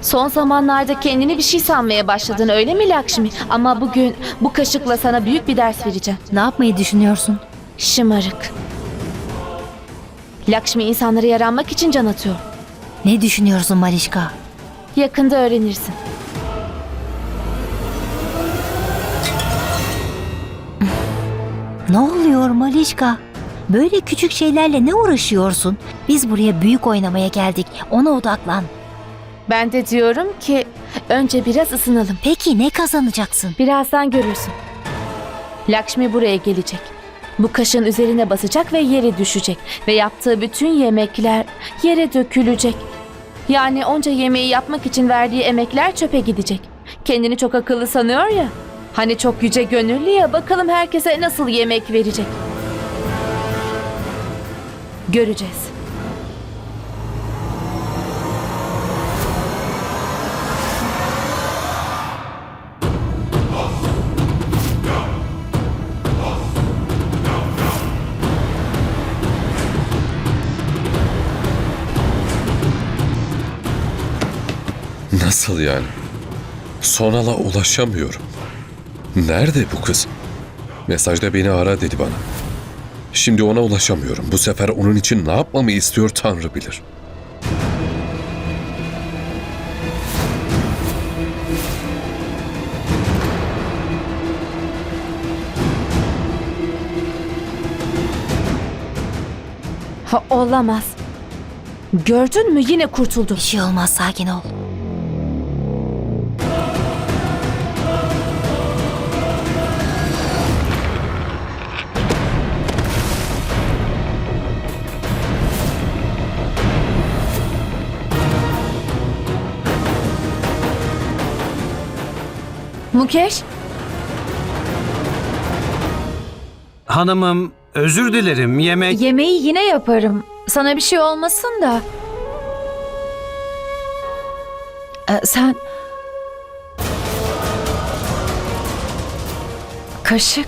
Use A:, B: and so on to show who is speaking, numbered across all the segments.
A: Son zamanlarda kendini bir şey sanmaya başladın, öyle mi Lakşmi? Ama bugün bu kaşıkla sana büyük bir ders vereceğim.
B: Ne yapmayı düşünüyorsun?
A: Şımarık. Lakşmi insanlara yaranmak için can atıyor.
B: Ne düşünüyorsun Malişka?
A: Yakında öğrenirsin.
B: Ne oluyor Malişka? Böyle küçük şeylerle ne uğraşıyorsun? Biz buraya büyük oynamaya geldik. Ona odaklan.
A: Ben de diyorum ki önce biraz ısınalım.
B: Peki ne kazanacaksın?
A: Birazdan görürsün. Lakşmi buraya gelecek. Bu kaşığın üzerine basacak ve yere düşecek. Ve yaptığı bütün yemekler yere dökülecek. Yani onca yemeği yapmak için verdiği emekler çöpe gidecek. Kendini çok akıllı sanıyor ya. Hani çok yüce gönüllü ya, bakalım herkese nasıl yemek verecek. Göreceğiz.
C: Nasıl yani? Sonal'a ulaşamıyorum. Nerede bu kız? Mesajda beni ara dedi bana. Şimdi ona ulaşamıyorum. Bu sefer onun için ne yapmamı istiyor Tanrı bilir.
A: Ha, olamaz. Gördün mü, yine kurtuldu.
B: Bir şey olmaz, sakin ol.
A: Mukesh,
D: Hanımım, özür dilerim.
E: Yemeği yine yaparım. Sana bir şey olmasın da. Sen... Kaşık.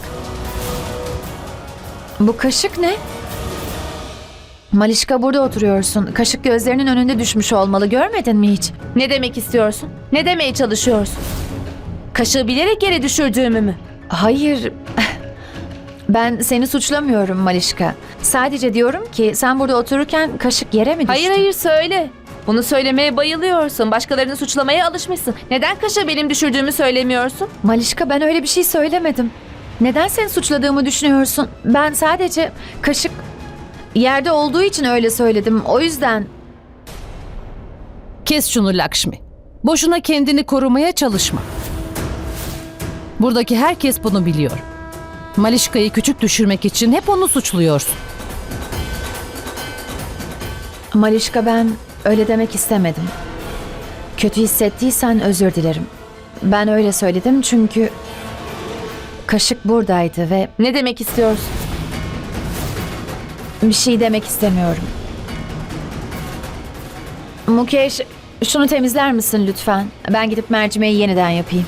E: Bu kaşık ne? Malişka, burada oturuyorsun. Kaşık gözlerinin önünde düşmüş olmalı. Görmedin mi hiç?
A: ne demek istiyorsun? Ne demeye çalışıyorsun? Kaşığı bilerek yere düşürdüğümü mü?
E: Hayır. Ben seni suçlamıyorum Malişka. Sadece diyorum ki sen burada otururken kaşık yere mi düştü?
A: Hayır hayır, söyle. Bunu söylemeye bayılıyorsun. Başkalarını suçlamaya alışmışsın. Neden kaşığı benim düşürdüğümü söylemiyorsun?
E: Malişka, ben öyle bir şey söylemedim. Neden seni suçladığımı düşünüyorsun? Ben sadece kaşık yerde olduğu için öyle söyledim. O yüzden...
F: Kes şunu Lakşmi. Boşuna kendini korumaya çalışma. Buradaki herkes bunu biliyor. Malişka'yı küçük düşürmek için hep onu suçluyorsun.
E: Malişka, ben öyle demek istemedim. Kötü hissettiysen özür dilerim. Ben öyle söyledim çünkü kaşık buradaydı ve
A: Ne demek istiyorsun?
E: bir şey demek istemiyorum. Mukesh, şunu temizler misin lütfen? Ben gidip mercimeği yeniden yapayım.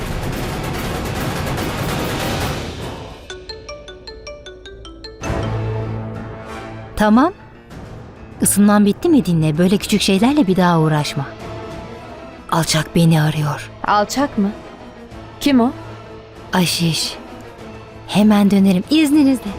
B: Tamam. Isınman bitti mi dinle. Böyle küçük şeylerle bir daha uğraşma. Alçak beni arıyor.
A: Alçak mı? Kim o?
B: Aşiş. Hemen dönerim izninizle.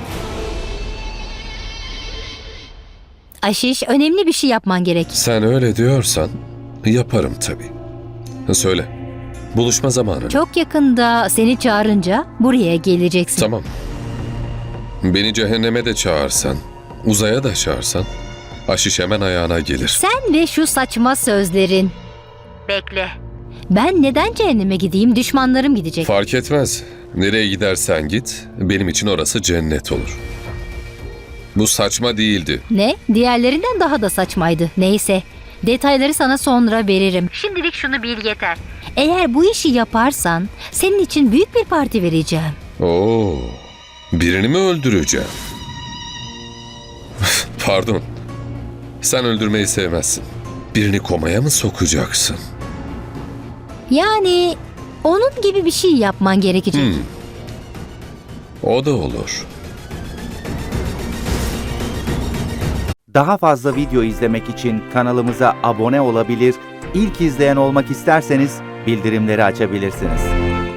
B: Aşiş, önemli bir şey yapman gerek.
C: Sen öyle diyorsan yaparım tabii. Söyle. Buluşma zamanı.
B: Çok yakında seni çağırınca buraya geleceksin.
C: Tamam. Beni cehenneme de çağırsan, uzaya da çağırsan, Aşiş hemen ayağına gelir.
B: Sen ve şu saçma sözlerin. Bekle. Ben neden cehenneme gideyim? Düşmanlarım gidecek.
C: Fark etmez. Nereye gidersen git, benim için orası cennet olur. Bu saçma değildi.
B: Ne? Diğerlerinden daha da saçmaydı. Neyse. Detayları sana sonra veririm. Şimdilik şunu bil yeter. Eğer bu işi yaparsan senin için büyük bir parti vereceğim.
C: Oo, birini mi öldüreceğim? Pardon. Sen öldürmeyi sevmezsin. Birini komaya mı sokacaksın?
B: Yani onun gibi bir şey yapman gerekecek.
C: O da olur.
G: Daha fazla video izlemek için kanalımıza abone olabilir,
D: ilk izleyen olmak isterseniz bildirimleri açabilirsiniz.